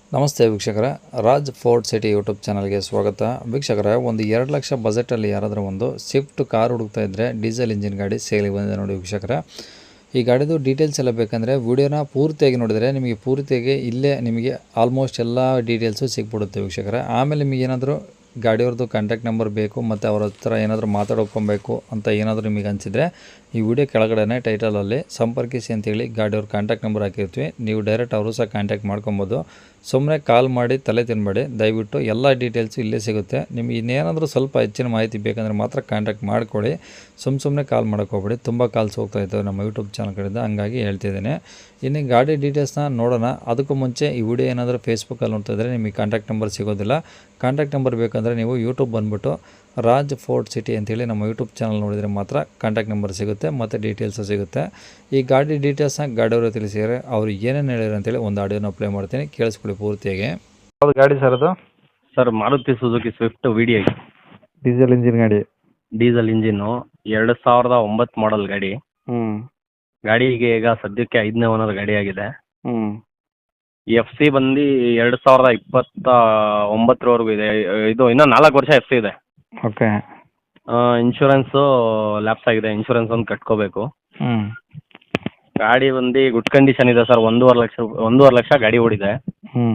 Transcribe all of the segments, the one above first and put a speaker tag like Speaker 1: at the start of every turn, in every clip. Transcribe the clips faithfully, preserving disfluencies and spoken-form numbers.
Speaker 1: ನಮಸ್ತೆ ವೀಕ್ಷಕರೇ, Raj fort city YouTube ಚಾನಲ್ಗೆ ಸ್ವಾಗತ. ವೀಕ್ಷಕರೇ, ಒಂದು ಎರಡು ಲಕ್ಷ ಬಜೆಟಲ್ಲಿ ಯಾರಾದರೂ ಒಂದು ಸ್ವಿಫ್ಟ್ ಕಾರ್ ಹುಡುಕ್ತಾ ಇದ್ದರೆ ಡೀಸೆಲ್ ಇಂಜಿನ್ ಗಾಡಿ ಸೇಲಿಗೆ ಬಂದಿದೆ ನೋಡಿ ವೀಕ್ಷಕರೇ. ಈ ಗಾಡಿದು ಡೀಟೇಲ್ಸ್ ಎಲ್ಲ ಬೇಕಂದರೆ ವಿಡಿಯೋನ ಪೂರ್ತಿಯಾಗಿ ನೋಡಿದರೆ ನಿಮಗೆ ಪೂರ್ತಿಯಾಗಿ ಇಲ್ಲೇ ನಿಮಗೆ ಆಲ್ಮೋಸ್ಟ್ ಎಲ್ಲ ಡೀಟೇಲ್ಸು ಸಿಕ್ಬಿಡುತ್ತೆ ವೀಕ್ಷಕರೇ. ಆಮೇಲೆ ನಿಮಗೆ ಏನಾದರೂ ಗಾಡಿಯವ್ರದ್ದು ಕಾಂಟ್ಯಾಕ್ಟ್ ನಂಬರ್ ಬೇಕು ಮತ್ತು ಅವ್ರ ಹತ್ರ ಏನಾದರೂ ಮಾತಾಡ್ಕೊಬೇಕು ಅಂತ ಏನಾದರೂ ನಿಮಗೆ ಅನಿಸಿದರೆ ಈ ವಿಡಿಯೋ ಕೆಳಗಡೆ ಟೈಟಲಲ್ಲಿ ಸಂಪರ್ಕಿಸಿ ಅಂತೇಳಿ ಗಾಡಿಯವ್ರ ಕಾಂಟ್ಯಾಕ್ಟ್ ನಂಬರ್ ಹಾಕಿರ್ತೀವಿ. ನೀವು ಡೈರೆಕ್ಟ್ ಅವರು ಸಹ ಕಾಂಟ್ಯಾಕ್ಟ್ ಮಾಡ್ಕೊಬೋದು. ಸುಮ್ಮನೆ ಕಾಲ್ ಮಾಡಿ ತಲೆ ತಿನ್ನಬೇಡಿ, ದಯವಿಟ್ಟು ಎಲ್ಲ ಡೀಟೇಲ್ಸು ಇಲ್ಲೇ ಸಿಗುತ್ತೆ. ನಿಮಗೆ ಇನ್ನೇನಾದರೂ ಸ್ವಲ್ಪ ಹೆಚ್ಚಿನ ಮಾಹಿತಿ ಬೇಕಂದರೆ ಮಾತ್ರ ಕಾಂಟ್ಯಾಕ್ಟ್ ಮಾಡ್ಕೊಳ್ಳಿ. ಸುಮ್ಮ ಸುಮ್ಮನೆ ಕಾಲ್ ಮಾಡೋಕ್ಕೆ ಹೋಗ್ಬೇಡಿ. ತುಂಬ ಕಾಲ್ಸ್ ಹೋಗ್ತಾ ಇದ್ದಾವೆ ನಮ್ಮ ಯೂಟ್ಯೂಬ್ ಚಾನಲ್ ಕಡೆಯಿಂದ, ಹಂಗಾಗಿ ಹೇಳ್ತಿದ್ದೀನಿ. ಇನ್ನು ಗಾಡಿ ಡೀಟೇಲ್ಸ್ನ ನೋಡೋಣ. ಅದಕ್ಕೂ ಮುಂಚೆ ಈ ವಿಡಿಯೋ ಏನಾದರೂ ಫೇಸ್ಬುಕ್ಕಲ್ಲಿ ನೋಡ್ತಾ ಇದ್ದರೆ ನಿಮಗೆ ಕಾಂಟ್ಯಾಕ್ಟ್ ನಂಬರ್ ಸಿಗೋದಿಲ್ಲ. ಕಾಂಟ್ಯಾಕ್ಟ್ ನಂಬರ್ ಬೇಕಂದರೆ ನೀವು ಯೂಟ್ಯೂಬ್ ಬಂದುಬಿಟ್ಟು ರಾಜ್ ಫೋರ್ಟ್ ಸಿಟಿ ಅಂತೇಳಿ ನಮ್ಮ ಯೂಟ್ಯೂಬ್ ಚಾನಲ್ ನೋಡಿದರೆ ಮಾತ್ರ ಕಾಂಟ್ಯಾಕ್ಟ್ ನಂಬರ್ ಸಿಗುತ್ತೆ ಮತ್ತು ಡೀಟೇಲ್ಸು ಸಿಗುತ್ತೆ. ಈ ಗಾಡಿ ಡೀಟೇಲ್ಸ್ನ ಗಾಡಿಯವರು ತಿಳಿಸಿದರೆ ಅವರು ಏನೇನು ಹೇಳಿದ್ರು ಅಂತೇಳಿ ಒಂದು ಆಡಿಯೋನ ಪ್ಲೇ ಮಾಡ್ತೀನಿ, ಕೇಳಿಸ್ಕೊಳ್ಳಿ ಪೂರ್ತಿಯಾಗಿ.
Speaker 2: ಯಾವುದು ಗಾಡಿ ಸರ್ ಅದು?
Speaker 3: Sir Maruti Suzuki Swift V D I
Speaker 2: diesel engine ಗಾಡಿ.
Speaker 3: ಡೀಸೆಲ್ ಇಂಜಿನ್ನು, ಎರಡು ಸಾವಿರದ ಒಂಬತ್ತು ಮಾಡಲ್ ಗಾಡಿ.
Speaker 2: ಹ್ಞೂ
Speaker 3: ಗಾಡಿಗೆ ಈಗ ಸದ್ಯಕ್ಕೆ ಐದನೇ ಓನರ್ ಗಾಡಿ ಆಗಿದೆ.
Speaker 2: ಹ್ಞೂ
Speaker 3: ಎಫ್ ಸಿ ಬಂದು ಎರಡು ಸಾವಿರದ ಇಪ್ಪತ್ತ ಒಂಬತ್ತರವರೆಗೂ ಇದೆ. ಇದು ಇನ್ನೂ ನಾಲ್ಕು ವರ್ಷ ಎಫ್ ಸಿ ಇದೆ.
Speaker 2: ಓಕೆ.
Speaker 3: ಇನ್ಶೂರೆನ್ಸು ಲ್ಯಾಪ್ಸ್ ಆಗಿದೆ, ಇನ್ಶೂರೆನ್ಸ್ ಒಂದು ಕಟ್ಕೋಬೇಕು.
Speaker 2: ಹ್ಞೂ
Speaker 3: ಗಾಡಿ ಬಂದು ಗುಡ್ ಕಂಡೀಷನ್ ಇದೆ ಸರ್. ಒಂದೂವರೆ ಲಕ್ಷ ಒಂದೂವರೆ ಲಕ್ಷ ಗಾಡಿ ಓಡಿದೆ.
Speaker 2: ಹ್ಞೂ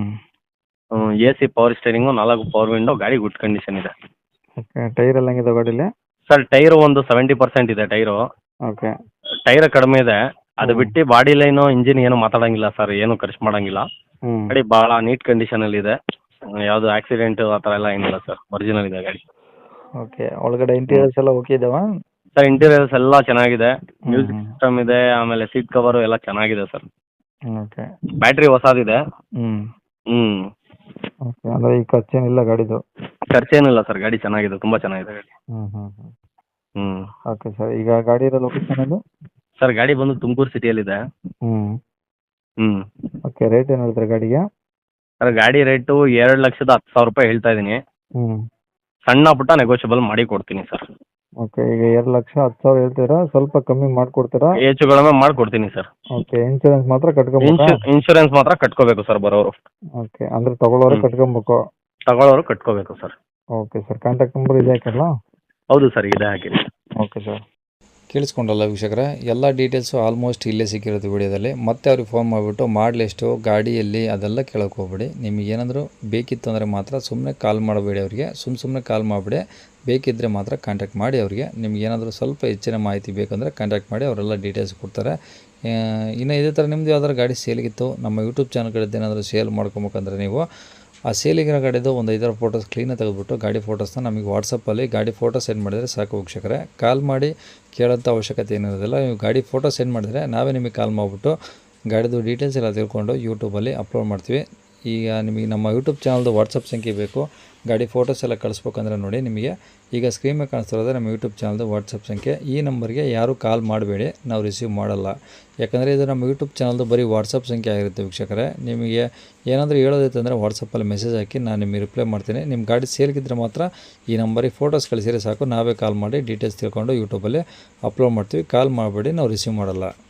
Speaker 3: ಎ ಸಿ, ಪವರ್ ಸ್ಟೇರಿಂಗು, ನಾಲ್ಕು ಪವರ್ ವಿಂಡೋ, ಗಾಡಿ ಗುಡ್ ಕಂಡೀಷನ್ ಇದೆ.
Speaker 2: ಓಕೆ. ಟೈರ್ ಎಲ್ಲ ಹೆಂಗಿದೆ ಗಾಡೀಲಿ?
Speaker 3: ಸರ್ ಟೈರು ಒಂದು ಸೆವೆಂಟಿ ಪರ್ಸೆಂಟ್ ಇದೆ ಟೈರು.
Speaker 2: ಓಕೆ.
Speaker 3: ಟೈರ್ ಕಡಿಮೆ ಇದೆ. ಅದು
Speaker 2: ಹ್ಮ್.
Speaker 3: ಬಿಟ್ಟು ಬಾಡಿ ಲೈನು, ಇಂಜಿನ್ ಏನು ಮಾತಾಡಂಗಿಲ್ಲ ಸರ್, ಏನು ಖರ್ಚು ಮಾಡಂಗಿಲ್ಲ.
Speaker 2: ಹ್ಞೂ
Speaker 3: ಗಾಡಿ ಭಾಳ ನೀಟ್ ಕಂಡೀಷನಲ್ಲಿ ಇದೆ. ಯಾವುದು ಆಕ್ಸಿಡೆಂಟು ಆ ಥರ ಎಲ್ಲ ಏನಿಲ್ಲ ಸರ್, ಒರಿಜಿನಲ್ ಇದೆ ಗಾಡಿ.
Speaker 2: ಓಕೆ. ಒಳಗಡೆ ಇಂಟೀರಿಯರ್ಸ್ ಎಲ್ಲ ಓಕೆ ಇದಾವ?
Speaker 3: ಸರ್ ಇಂಟೀರಿಯರ್ಸ್ ಎಲ್ಲ ಚೆನ್ನಾಗಿದೆ.
Speaker 2: ಹ್ಮ್,
Speaker 3: ಮ್ಯೂಸಿಕ್
Speaker 2: ಹ್ಮ್.
Speaker 3: ಸಿಸ್ಟಮ್ ಇದೆ, ಆಮೇಲೆ ಸೀಟ್ ಕವರು ಎಲ್ಲ ಚೆನ್ನಾಗಿದೆ ಸರ್.
Speaker 2: ಓಕೆ.
Speaker 3: ಬ್ಯಾಟ್ರಿ ಹೊಸದಿದೆ.
Speaker 2: ಹ್ಞೂ
Speaker 3: ಹ್ಞೂ
Speaker 2: ಓಕೆ. ಅಂದರೆ ಈ ಖರ್ಚೇನಿಲ್ಲ ಗಾಡಿದು?
Speaker 3: ಖರ್ಚೇನಿಲ್ಲ ಸರ್, ಗಾಡಿ ಚೆನ್ನಾಗಿದೆ, ತುಂಬ ಚೆನ್ನಾಗಿದೆ ಗಾಡಿ.
Speaker 2: ಹ್ಞೂ ಹ್ಞೂ ಹ್ಞೂ
Speaker 3: ಹ್ಞೂ
Speaker 2: ಓಕೆ ಸರ್. ಈಗ ಗಾಡಿ ಇರೋ ಲೊಕೇಶನ್ ಅದು?
Speaker 3: ಸರ್ ಗಾಡಿ ಬಂದು ತುಮಕೂರು ಸಿಟಿಯಲ್ಲಿದೆ.
Speaker 2: ಹ್ಞೂ
Speaker 3: ಹ್ಞೂ
Speaker 2: ಓಕೆ. ರೇಟ್ ಏನು ಹೇಳ್ತಾರೆ ಗಾಡಿಗೆ?
Speaker 3: ಸರ್ ಗಾಡಿ ರೇಟು ಎರಡು ಲಕ್ಷದ ಹತ್ತು ಸಾವಿರ ರೂಪಾಯಿ ಹೇಳ್ತಾ ಇದ್ದೀನಿ.
Speaker 2: ಹ್ಞೂ
Speaker 3: ಸಣ್ಣ ಪುಟ್ಟ ನೆಗೋಷಿಯಬಲ್ ಮಾಡಿ ಕೊಡ್ತೀನಿ ಸರ್.
Speaker 2: ಓಕೆ. ಈಗ ಎರಡು ಲಕ್ಷ ಹತ್ತು ಸಾವಿರ ಹೇಳ್ತೀರಾ, ಸ್ವಲ್ಪ ಕಮ್ಮಿ ಮಾಡಿಕೊಡ್ತೀರಾ?
Speaker 3: ಹೆಚ್ಚು ಕಡಿಮೆ ಮಾಡಿಕೊಡ್ತೀನಿ ಸರ್.
Speaker 2: ಓಕೆ. ಇನ್ಶೂರೆನ್ಸ್ ಮಾತ್ರ ಕಟ್ಕೊಬೇಕಾ?
Speaker 3: ಇನ್ಶು ಇನ್ಶೂರೆನ್ಸ್ ಮಾತ್ರ ಕಟ್ಕೋಬೇಕು ಸರ್ ಬರೋರು.
Speaker 2: ಓಕೆ. ಅಂದರೆ ತಗೊಳ್ಳೋರು
Speaker 3: ಹ್ಮ್.
Speaker 2: ಕಟ್ಕೊಬೇಕು?
Speaker 3: ತಗೊಳ್ಳೋರು ಕಟ್ಕೋಬೇಕು sir.
Speaker 2: Okay sir. Contact number ಇದೆ ಹಾಕಲ್ಲ?
Speaker 3: ಹೌದು ಸರ್, ಇದೆ ಹಾಕಿರಿ.
Speaker 2: Okay sir.
Speaker 1: ಕೇಳಿಸ್ಕೊಂಡಲ್ಲ ವೀಕ್ಷಕರೇ, ಎಲ್ಲ ಡೀಟೇಲ್ಸು ಆಲ್ಮೋಸ್ಟ್ ಇಲ್ಲೇ ಸಿಕ್ಕಿರುತ್ತೆ ವಿಡಿಯೋದಲ್ಲಿ. ಮತ್ತೆ ಅವ್ರಿಗೆ ಫೋನ್ ಮಾಡಿಬಿಟ್ಟು ಮಾಡಲೆಷ್ಟು, ಗಾಡಿಯಲ್ಲಿ ಅದೆಲ್ಲ ಕೇಳೋಕೆ ಹೋಗ್ಬೇಡಿ. ನಿಮಗೆ ಏನಾದರೂ ಬೇಕಿತ್ತು ಅಂದರೆ ಮಾತ್ರ ಸುಮ್ಮನೆ ಕಾಲ್ ಮಾಡಬೇಡಿ ಅವರಿಗೆ. ಸುಮ್ಮ ಸುಮ್ಮನೆ ಕಾಲ್ ಮಾಡಿಬಿಡಿ. ಬೇಕಿದ್ದರೆ ಮಾತ್ರ ಕಾಂಟ್ಯಾಕ್ಟ್ ಮಾಡಿ ಅವರಿಗೆ. ನಿಮ್ಗೆ ಏನಾದರೂ ಸ್ವಲ್ಪ ಹೆಚ್ಚಿನ ಮಾಹಿತಿ ಬೇಕಂದರೆ ಕಾಂಟ್ಯಾಕ್ಟ್ ಮಾಡಿ, ಅವರೆಲ್ಲ ಡೀಟೇಲ್ಸ್ ಕೊಡ್ತಾರೆ. ಇನ್ನು ಇದೇ ಥರ ನಿಮ್ಮದು ಯಾವ್ದಾದ್ರು ಗಾಡಿ ಸೇಲಿಗಿತ್ತು, ನಮ್ಮ ಯೂಟ್ಯೂಬ್ ಚಾನಲ್ ಕಡೆದು ಏನಾದರೂ ಸೇಲ್ ಮಾಡ್ಕೊಬೇಕಂದ್ರೆ ನೀವು ಆ ಸೇಲಿಗಿರೋ ಗಾಡಿದು ಒಂದು ಐದಾರು ಫೋಟೋಸ್ ಕ್ಲೀನಾಗಿ ತೆಗೆದುಬಿಟ್ಟು ಗಾಡಿ ಫೋಟೋಸ್ನ ನಮಗೆ ವಾಟ್ಸಪ್ಪಲ್ಲಿ ಗಾಡಿ ಫೋಟೋ ಸೆಂಡ್ ಮಾಡಿದರೆ ಸಾಕು ವೀಕ್ಷಕರೇ. ಕಾಲ್ ಮಾಡಿ ಕೇಳೋಂಥ ಅವಶ್ಯಕತೆ ಏನಿರೋದಿಲ್ಲ. ನೀವು ಗಾಡಿ ಫೋಟೋ ಸೆಂಡ್ ಮಾಡಿದರೆ ನಾವೇ ನಿಮಗೆ ಕಾಲ್ ಮಾಡಿಬಿಟ್ಟು ಗಾಡಿದು ಡೀಟೇಲ್ಸ್ ಎಲ್ಲ ತಿಳ್ಕೊಂಡು ಯೂಟ್ಯೂಬಲ್ಲಿ ಅಪ್ಲೋಡ್ ಮಾಡ್ತೀವಿ. ಈಗ ನಿಮಗೆ ನಮ್ಮ ಯೂಟ್ಯೂಬ್ ಚಾನಲ್ದು ವಾಟ್ಸಪ್ ಸಂಖ್ಯೆ ಬೇಕು, ಗಾಡಿ ಫೋಟೋಸ್ ಎಲ್ಲ ಕಳಿಸ್ಬೇಕಂದ್ರೆ ನೋಡಿ, ನಿಮಗೆ ಈಗ ಸ್ಕ್ರೀನ್ ಮೇಲೆ ಕಾಣಿಸ್ತಿರೋದು ನಮ್ಮ ಯೂಟ್ಯೂಬ್ ಚಾನಲ್ದು ವಾಟ್ಸಪ್ ಸಂಖ್ಯೆ. ಈ ನಂಬರ್ಗೆ ಯಾರೂ ಕಾಲ್ ಮಾಡಬೇಡಿ, ನಾವು ರಿಸೀವ್ ಮಾಡಲ್ಲ. ಯಾಕಂದರೆ ಇದು ನಮ್ಮ ಯೂಟ್ಯೂಬ್ ಚಾನಲ್ದು ಬರೀ ವಾಟ್ಸಪ್ ಸಂಖ್ಯೆ ಆಗಿರುತ್ತೆ ವೀಕ್ಷಕರೇ. ನಿಮಗೆ ಏನಾದರೂ ಹೇಳೋದೈತೆ ಅಂದರೆ ವಾಟ್ಸಪ್ಪಲ್ಲಿ ಮೆಸೇಜ್ ಹಾಕಿ, ನಾನು ನಿಮಗೆ ರಿಪ್ಲೈ ಮಾಡ್ತೀನಿ. ನಿಮ್ಮ ಗಾಡಿ ಸೇಲ್ಗಿದ್ರೆ ಮಾತ್ರ ಈ ನಂಬರಿಗೆ ಫೋಟೋಸ್ ಕಳಿಸಿದ್ರೆ ಸಾಕು, ನಾವೇ ಕಾಲ್ ಮಾಡಿ ಡೀಟೇಲ್ಸ್ ತಿಳ್ಕೊಂಡು ಯೂಟ್ಯೂಬಲ್ಲಿ ಅಪ್ಲೋಡ್ ಮಾಡ್ತೀವಿ. ಕಾಲ್ ಮಾಡಬೇಡಿ, ನಾವು ರಿಸೀವ್ ಮಾಡಲ್ಲ.